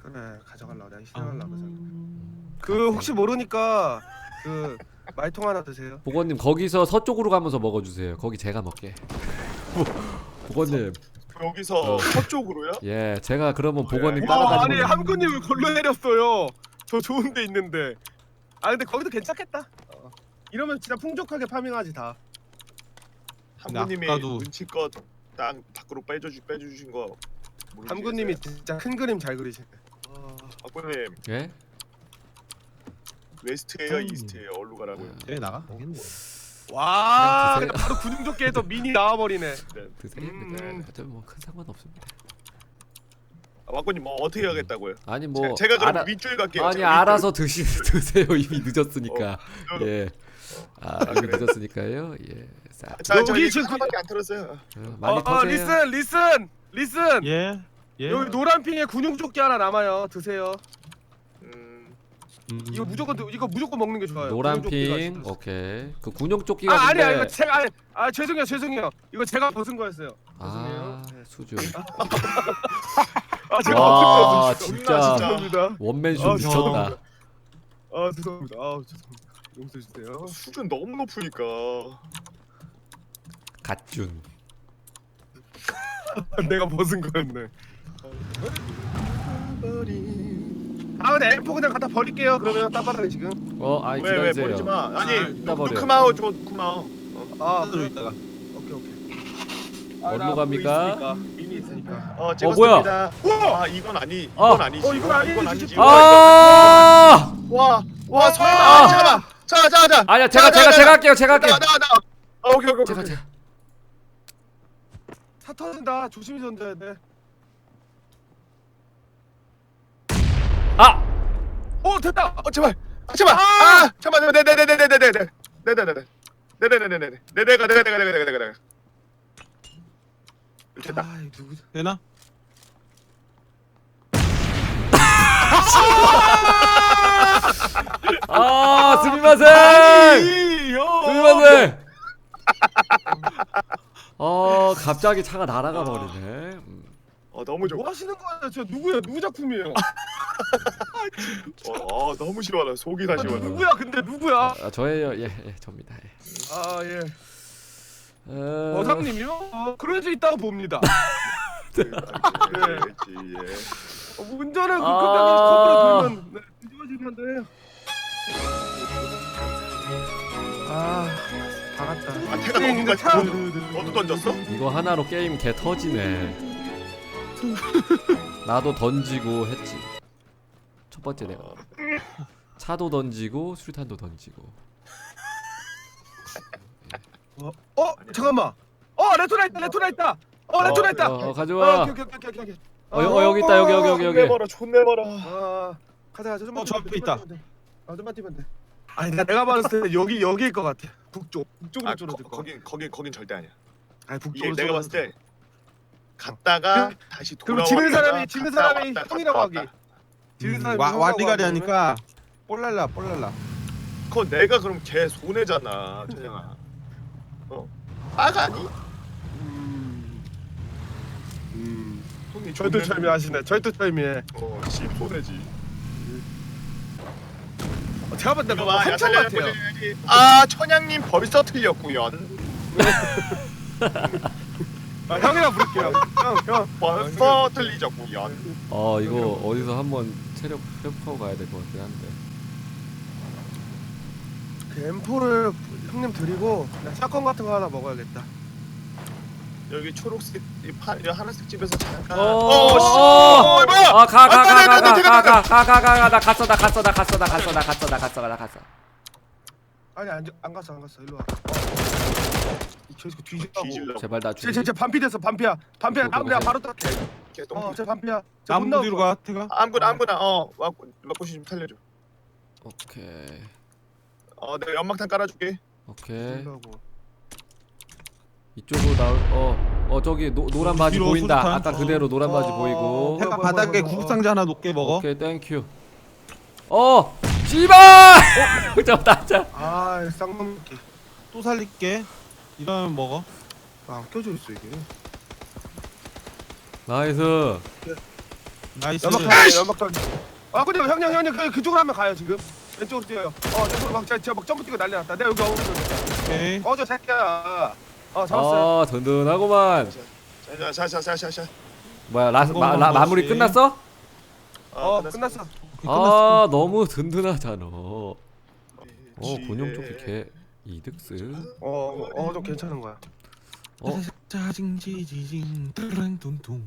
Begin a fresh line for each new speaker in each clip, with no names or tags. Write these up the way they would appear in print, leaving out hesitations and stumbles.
그래 가져가려고 내가 희생하려고 그러잖아. 그 혹시 모르니까 그 말통 하나 드세요.
보건님 거기서 서쪽으로 가면서 먹어주세요. 거기 제가 먹게. 보건님.
여기서 서쪽으로요?
예, 제가 그러면 보건님
아니
따라다니면.
함구님을 골로 내렸어요. 저 좋은 데 있는데. 아 근데 거기도 괜찮겠다. 이러면 진짜 풍족하게 파밍하지 다.
함구님이
아까도-
눈치껏 땅 밖으로 빼주신 거 모르시겠어요?
함구님이 진짜 큰 그림 잘 그리시네.
함구님
예?
웨스트에요 이스트에요 어디로 가라고요?
쟤 나가? 되겠네.
와
그냥
근데 바로 군중조끼에서 미니 나와버리네.
드세요.
음.
어차피 뭐큰 상관없습니다.
왕권님 뭐 어떻게 하겠다고요?
아니 뭐
제가 그럼
알아-
윗줄 갈게요.
아니
제가 윗줄.
알아서 드세요. 이미 늦었으니까. 예. 이미
그래.
늦었으니까요. 예. 자,
자, 저
여기
이제
지금
하나밖에 안 틀었어요.
많이 터세요.
리슨.
예. 예.
여기 노란 핑에 군용조끼 하나 남아요. 드세요. 이거 무조건 먹는 게 좋아요.
노란
군용조끼가
핑.
진짜.
오케이. 그 군용 조끼가
아 아니야
근데-
이거 제가 죄송해요. 이거 제가 벗은 거였어요. 죄송해요. 네.
수준.
제가
와,
벗은 거였어요.
진짜.
죄송합니다.
원맨쇼
아,
미쳤다.
죄송합니다. 죄송합니다. 용서해 주세요.
수준 너무 높으니까.
갓준.
내가 벗은 거였네. 근데 M4 그냥 갖다 버릴게요. 그러면 땅바닥에 지금.
아이
왜
기다리세요.
버리지 마. 아니
이따 버려.
쿠마오 줘 쿠마오.
들어 있다가.
오케이.
어디로 갑니까?
미니 있으니까.
찍었습니다. 와 이건 아니지.
이건 아니지.
이건 아니지.
아!
와 설마 잠깐만. 자.
아니야, 제가 할게요.
나. 오케이.
제가.
차 터진다. 조심히 던져야 돼.
아!
됐다.
제발. 잠깐만. 내가. 됐다.
누구?
되나?
스미마셍! 스미마셍! 갑자기 차가 날아가 버리네.
너무 좋아.
뭐 하시는 거예요? 저 누구야? 누구 작품이에요?
너무 싫어하다. 속이 다 시원해.
누구야? 근데 누구야?
저예요. 예, 접니다. 예.
예. 어상님이요? 그럴 수 있다고 봅니다. 운전을 급하게 커브로 돌면 뒤집어지면 돼. 다 갔다.
태가 너도 던졌어?
이거 하나로 게임 개 터지네. 나도 던지고 했지. 첫 번째 내가. 차도 던지고 수류탄도 던지고.
잠깐만. 레토나 있다. 레토나 있다.
가져와.
오케이.
여기 있다. 여기.
존내 봐라.
가자. 좀만
저 앞에 있다.
좀만 뛰면 돼. 아니 내가 봤을 때 여기일 것 같아. 북쪽으로 줄어들 거.
거긴 절대 아니야.
아니
이게
북쪽으로.
내가 봤을 때 갔다가 다시
그럼
돌아와.
지는 사람이 형이라고 하기. 지는 사람이
와리가리 하니까 볼랄라.
그건 내가 그럼 걔 손해잖아, 천양아. 아가니? 손이
절도철미하시네. 절도철미해.
씨 손해지.
제가 봤을 때
이거
뭐
봐,
한참
야,
같아요.
천양님 벌써 틀렸구요.
형이라 부를게요. 형.
벌써 틀리셨구요.
이거 어디서 한번 체력 회복하고 가야 될 것 같긴 한데.
그 M4를 형님 드리고 그냥 샷건 같은 거 하나 먹어야겠다.
여기 초록색 이 하늘색 집에서 잠깐.
뭐야? 가. 나 갔어.
아니 안 갔어. 일로 와. 저기서 뒤지라고.
제발 나 죽이.
제 반피 됐어. 반피야. 내가 바로 닦게. 제 반피야.
나무 뒤로 가. 태가.
아무거나 와꾸시 좀 살려줘.
오케이.
내가 연막탄 깔아줄게.
오케이. 이쪽으로 나올 저기 노란 바지
뒤로
보인다.
수류탄.
아까 그대로 노란 바지 보이고.
태가 바닥에 구급상자 하나 높게 먹어.
오케이, 땡큐. 씨발! 잡았다.
쌍놈끼.
또 살릴게. 이러면 먹어.
껴져 있어 이게.
나이스.
나이스.
연막 던져 연막 던져. 아 근데 형님 그쪽으로 하면 가요 지금. 왼쪽으로 뛰어요. 저쪽으로 막 점프 뛰고 난리 났다. 내가 여기
오케이.
저 새끼야. 잡았어요.
아 든든하구만.
자자자자자자.
뭐야
한국만
마무리
먹었지.
끝났어?
끝났어.
아 너무 든든하잖아. 군용 조끼 개 이득스.
좀 괜찮은 거야.
짜징 지지징 뚜랑 둥둥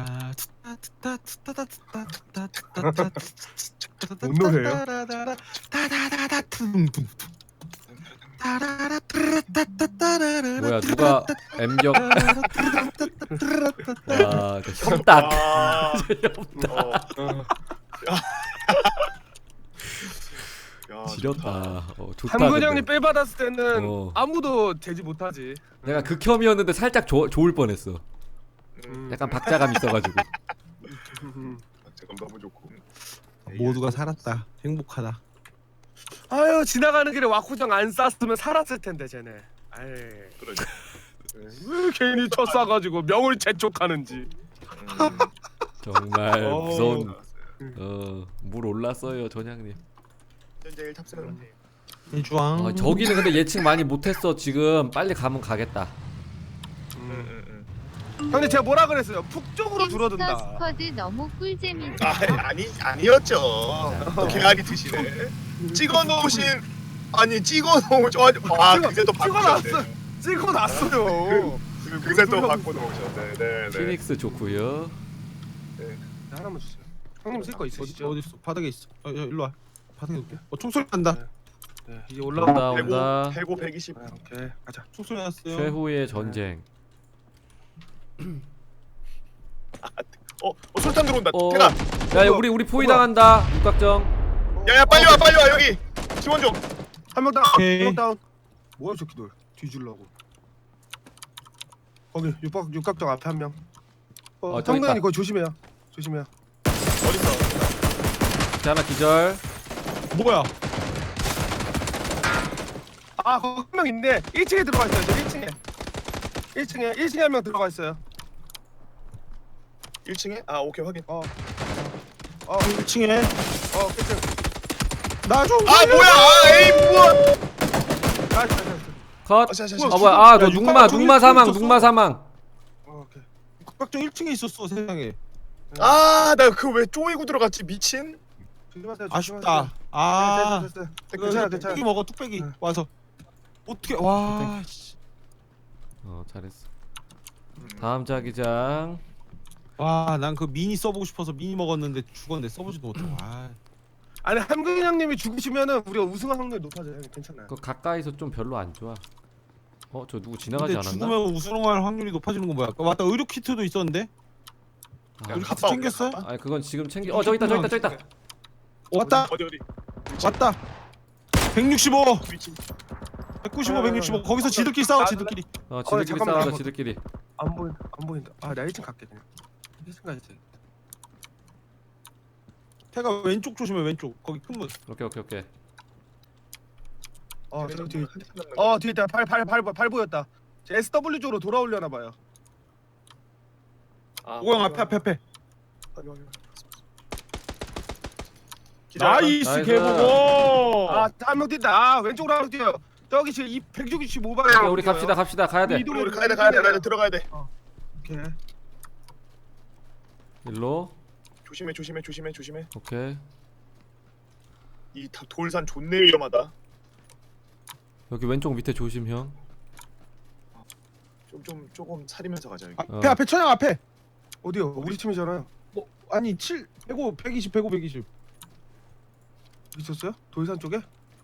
뭔 노래예요?
뭐야 누가 M격 와 협딱 지렸다. 좋다.
한근 형이
근데.
삘 받았을 때는
아무도
되지 못하지.
내가 극혐이었는데 살짝 좋을 뻔했어. 약간 박자감 있어가지고.
잠깐 너무 좋고.
모두가 살았다. 행복하다.
아유 지나가는 길에 와쿠정 안 쌌으면 살았을 텐데 쟤네. 아이.
그러죠.
왜 괜히 쳐 쏴가지고 명을 재촉하는지.
정말 무서운. 물 올랐어요 전향님.
현재 1탑승.
일주왕.
저기는 근데 예측 많이 못했어 지금. 빨리 가면 가겠다.
형님 제가 뭐라 그랬어요? 북쪽으로 줄어든다.
스쿼드 너무 꿀잼이다.
아니었죠. 또 개알이 드시네. 찍어놓으신 그새 또 바꾸셨네.
찍어놨어요.
그새 또 바꿔놓으셨네. 네.
피닉스 좋고요.
하나만 주세요. 형님 쓸 거 있으시죠?
어디 있어? 바닥에 있어. 일로 와. 바닥에 놓게. 총소리 난다.
네, 이제 올라온다.
온다.
해고 120.
오케이 가자.
총소리 났어요.
최후의 전쟁.
술탄 들어온다.
야
태가.
우리 포위 당한다. 육각정.
야야 빨리 와 여기. 지원 좀.
한 명 다운.
오케이.
한 명 다운. 뭐야 저 새끼들. 뒤질라고. 거기 육각정 앞에 한 명.
저기 있다.
형근이 거기 조심해요.
어딨어?
자, 하나 기절.
뭐야?
거기 한 명 있네. 1층에 들어가 있어요. 저 1층에 한 명 들어가 있어요.
1층에? 오케이 확인.
1층에.
끝.
나 좀.
뭐야? 에이 뭐야?
컷.
자.
뭐야? 너
육각정
눅마 사망.
오케이.
국박정 1층에 있었어 세상에.
나 그 왜 쪼이고 들어갔지 미친?
조심하세요.
아쉽다.
됐어. 괜찮아.
뚝배기 먹어 뚝배기 와서. 어떻게 와. 씨.
잘했어. 다음 자기장.
와, 난 그 미니 써보고 싶어서 미니 먹었는데 죽었는데 써보지도 못하고.
아니 함근 형님이 죽으시면은 우리가 우승할 확률이 높아져요. 괜찮아요.
그 가까이서 좀 별로 안 좋아. 저 누구 지나가지
근데
않았나?
죽으면 우승할 확률이 높아지는 건 뭐야? 맞다, 의료 키트도 있었는데.
아,
의료 키트 챙겼어?
아니 그건 지금 챙겨. 저기 있다.
왔다.
어디?
왔다. 165.
위치.
195, 165. 거기서 지들끼리 싸워, 지들끼리.
지들끼리
잠깐만,
싸우자
잠깐만.
지들끼리.
안 보인다. 나 1층 갈게 그냥. 1층 가야지.
태가 왼쪽 조심해, 왼쪽. 거기 큰 문.
오케이.
저 뒤에. 뒤에 있다. 발 보였다. 저 SW 쪽으로 돌아오려나 봐요.
오영 앞에.
나이스,
나이스
개보고.
개보고.
한 명 뛴다. 왼쪽으로 한 명 뛰어요. 저기 지금 165방향.
우리 갑시다. 가야 돼.
우리 가야 돼. 들어가야 돼.
오케이.
일로.
조심해.
오케이.
이 돌산 존내 위험하다.
여기 왼쪽 밑에 조심 형.
조금 사리면서 가자 여기.
앞에 천양 앞에.
어디요? 우리 팀이잖아요.
아니 7, 120.
있었어요? 돌산 쪽에?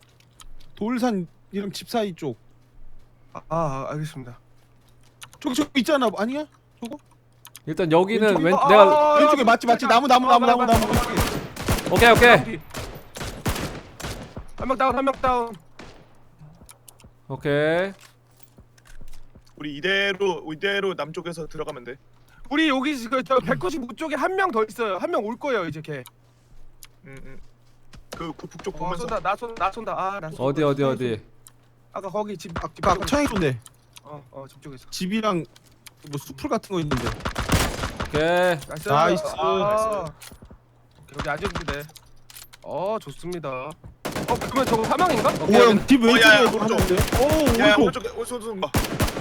돌산이랑 집 사이 쪽.
알겠습니다.
저기 있잖아. 아니야? 저거?
일단 여기는
왼쪽에-
내가
왼쪽에 맞지. 나무.
오케이.
한 명 다운.
오케이.
우리 이대로 남쪽에서 들어가면 돼.
우리 여기 지금 저 195 쪽에 한 명 더 있어요. 한 명 올 거예요 이제 걔.
그 북쪽 보면서.
나 쏜다. 나 쏜다.
어디?
아까 거기 집
천양이 좋네.
집 쪽에서.
집이랑 뭐 수풀 같은 거 있는데.
오케이.
나이스.
나이스.
아, 여기 아직 부대. 좋습니다. 그러면 저거 사망인가?
오형집 왼쪽에
야, 야,
뭐
오른쪽.
하는데?
야
오른쪽.
오른쪽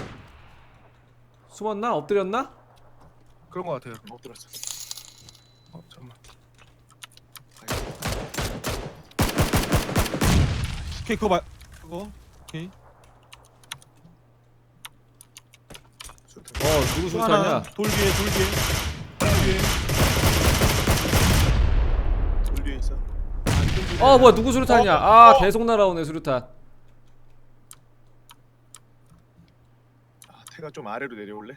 숨었나? 엎드렸나?
그런 거 같아요.
못 들었어.
잠깐만.
오케이 그거 봐. 그거. 오케이.
누구
하나
수류탄이야?
돌 뒤에 돌 뒤에.
돌 뒤에 있어.
뭐야 누구 수류탄이야? 계속 날아오네 수류탄.
태가 좀 아래로 내려올래?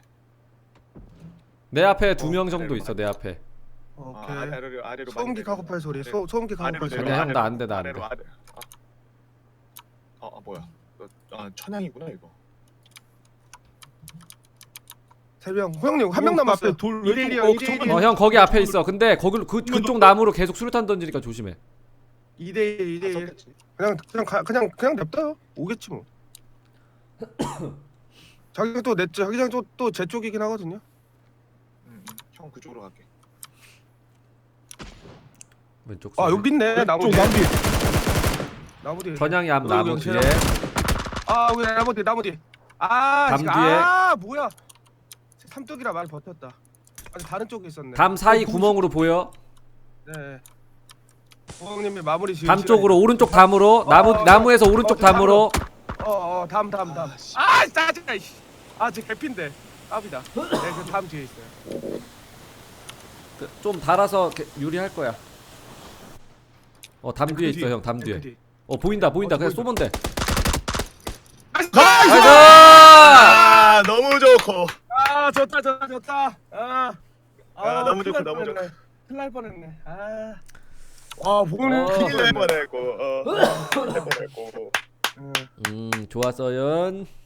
내 앞에 2명 정도 있어 내 앞에.
오케이.
아래로
소음기 가고팔 소리. 소음기 가고팔 소리.
내려. 형, 나안 돼, 나안 돼.
아래로 아래. 뭐야? 천양이구나 이거.
세명 호영님 한 명 남았어요.
앞에 돌
1대1이요.
왼쪽.
1대1이요.
형 거기 앞에 있어. 근데 그쪽 나무로 계속 수류탄 던지니까 조심해.
2대1 2대1. 그냥 냅둬요. 오겠지 뭐. 자기가 또 내 자기장 또 제 쪽이긴 하거든요.
형 그쪽으로 갈게.
왼쪽.
여기 있네. 나무
쪽
뒤에.
나무 뒤에.
나무 뒤에.
전향이 앞 나무
여기
뒤에.
여기 나무 뒤에.
담 뒤에.
뭐야? 삼뚝이라 많이 버텼다. 아니 다른 쪽에 있었네.
담 사이 구멍으로 보여.
네. 부장님이 마무리 지으시네.
담 쪽으로 오른쪽 담으로 나무에서 오른쪽 담으로.
담. 짜증나. 제 개핀데. 깝이다. 네, 그 담 뒤에 있어요.
좀 달아서 유리할 거야. 담 뒤에 있어 형. 담
그
뒤에.
뒤.
보인다. 그냥
보인다.
쏘면 돼.
나이스!
너무 좋고.
좋다.
너무 좋고,
큰일 날
너무 좋고.
뻔했네. 큰일 날 뻔했네. 보는
큰일 날 뻔했고. 큰일 날 뻔했고.
좋았어요.